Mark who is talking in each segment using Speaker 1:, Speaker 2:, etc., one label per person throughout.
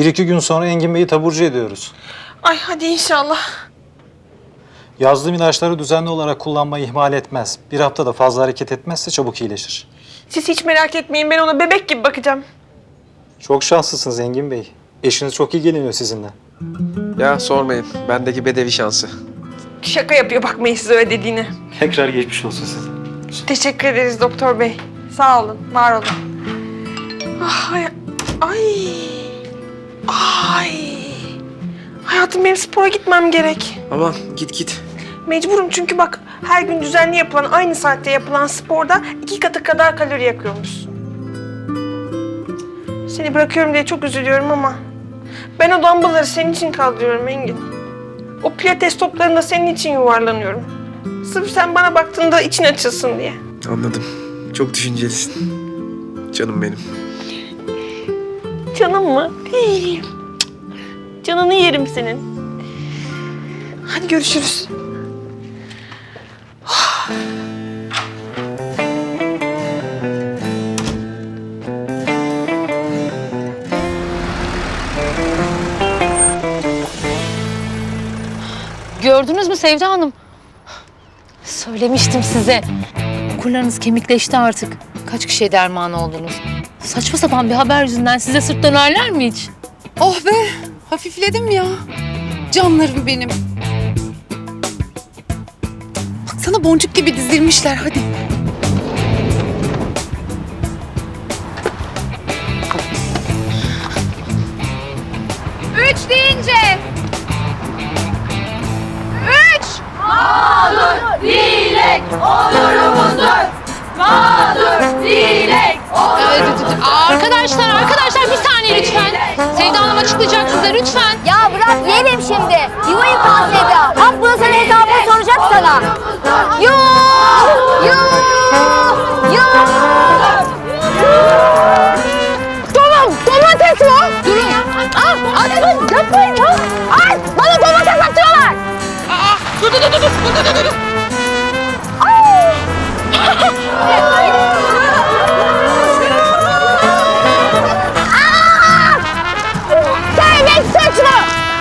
Speaker 1: 1-2 gün sonra Engin Bey'i taburcu ediyoruz.
Speaker 2: Ay hadi inşallah.
Speaker 1: Yazdığım ilaçları düzenli olarak kullanmayı ihmal etmez. Bir haftada fazla hareket etmezse çabuk iyileşir.
Speaker 2: Siz hiç merak etmeyin, ben ona bebek gibi bakacağım.
Speaker 1: Çok şanslısınız Engin Bey. Eşiniz çok ilgileniyor sizinle.
Speaker 3: Ya sormayın. Bendeki bedevi şansı.
Speaker 2: Şaka yapıyor, bakmayın siz öyle dediğine.
Speaker 1: Tekrar geçmiş olsun size.
Speaker 2: Teşekkür ederiz doktor bey. Sağ olun, var olun. Ah, ay. Ay. Hayatım, benim spora gitmem gerek.
Speaker 3: Aman git.
Speaker 2: Mecburum çünkü bak, her gün düzenli yapılan, aynı saatte yapılan sporda 2 katı kadar kalori yakıyormuşsun. Seni bırakıyorum diye çok üzülüyorum ama ben o dumbbellları senin için kaldırıyorum Engin. O pilates toplarında senin için yuvarlanıyorum. Sırf sen bana baktığında için açılsın diye.
Speaker 3: Anladım. Çok düşüncelisin. Canım benim.
Speaker 2: Canım mı? Değil. Canını yerim senin. Hadi görüşürüz.
Speaker 4: Gördünüz mü Sevda Hanım? Söylemiştim size. Okurlarınız kemikleşti artık. Kaç kişiye derman oldunuz? Saçma sapan bir haber yüzünden size sırt dönerler mi hiç?
Speaker 5: Oh be, hafifledim ya. Canlarım benim. Baksana boncuk gibi dizilmişler, hadi.
Speaker 4: Üç deyince. Üç. Mağdur dilek onurumuzdur. Mağdur dilek onurumuzdur. Arkadaşlar bir saniye lütfen. Sevda Hanım açıklayacak size lütfen.
Speaker 6: Ya bırak yerim şimdi. Yuva yıkan Sevda. Bak bunu sana hesabını soracak sana. Yuh! Domates mi?
Speaker 4: Durun.
Speaker 6: Atın yapmayın ya. Ay bana domates atıyorlar.
Speaker 2: Dur.
Speaker 6: Sevmek suç mu?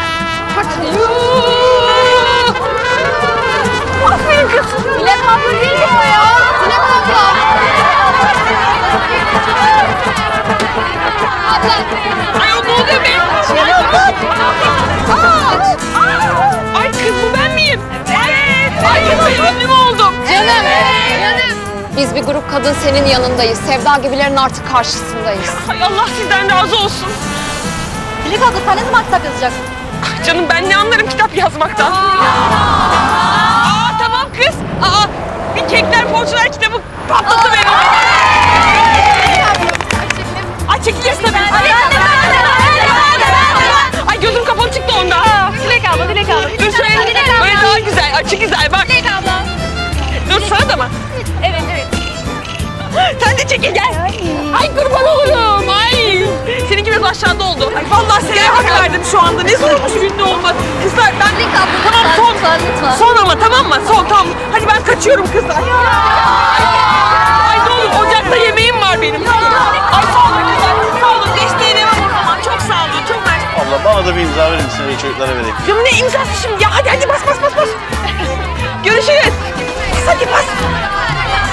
Speaker 2: Aferin kız.
Speaker 6: Dilek abla değil mi o ya? Dilek abla.
Speaker 2: Ay o ne oluyor be? Ay kız, bu ben miyim? Evet. Ay kız, ben ünlü mü oldum?
Speaker 4: Canım. Biz bir grup kadın senin yanındayız. Sevda gibilerin artık karşısındayız.
Speaker 2: Ay Allah sizden razı olsun.
Speaker 6: Dilek abla sen ne zaman kitap yazacaksın?
Speaker 2: Ay canım, ben ne anlarım kitap yazmaktan. Tamam kız. Bir Kekler Poğaçalar kitabı patladı beni. Ay çekiliriz tabii. Ay gözüm kapalı çıktı onda.
Speaker 6: Dilek abla.
Speaker 2: Dur şöyle, böyle daha güzel, açık güzel bak.
Speaker 6: Dilek abla.
Speaker 2: Dur sana da mı?
Speaker 6: Evet.
Speaker 2: Sen de çekil gel. Ay kurban olurum. Ay. Seninki biraz aşağıda oldu. Ay vallahi sana hak verdim şu anda. Ne zormuş ünlü olmak. Kızlar ben...
Speaker 6: Dilek abla,
Speaker 2: Tamam son.
Speaker 6: lütfen.
Speaker 2: Son ama tamam mı? Son tamam. Hadi ben kaçıyorum kızlar. Ay ne olur ocakta yemeğim var benim. Ay sağ olun kızlar. Sağ olun. Desteğine var o zaman. Çok sağ olun. Çok mersi.
Speaker 7: Abla bana da bir imza verir misin? Çocuklara vereyim.
Speaker 2: Canım ne imzası şimdi ya? Hadi bas. Görüşürüz. Bas hadi bas.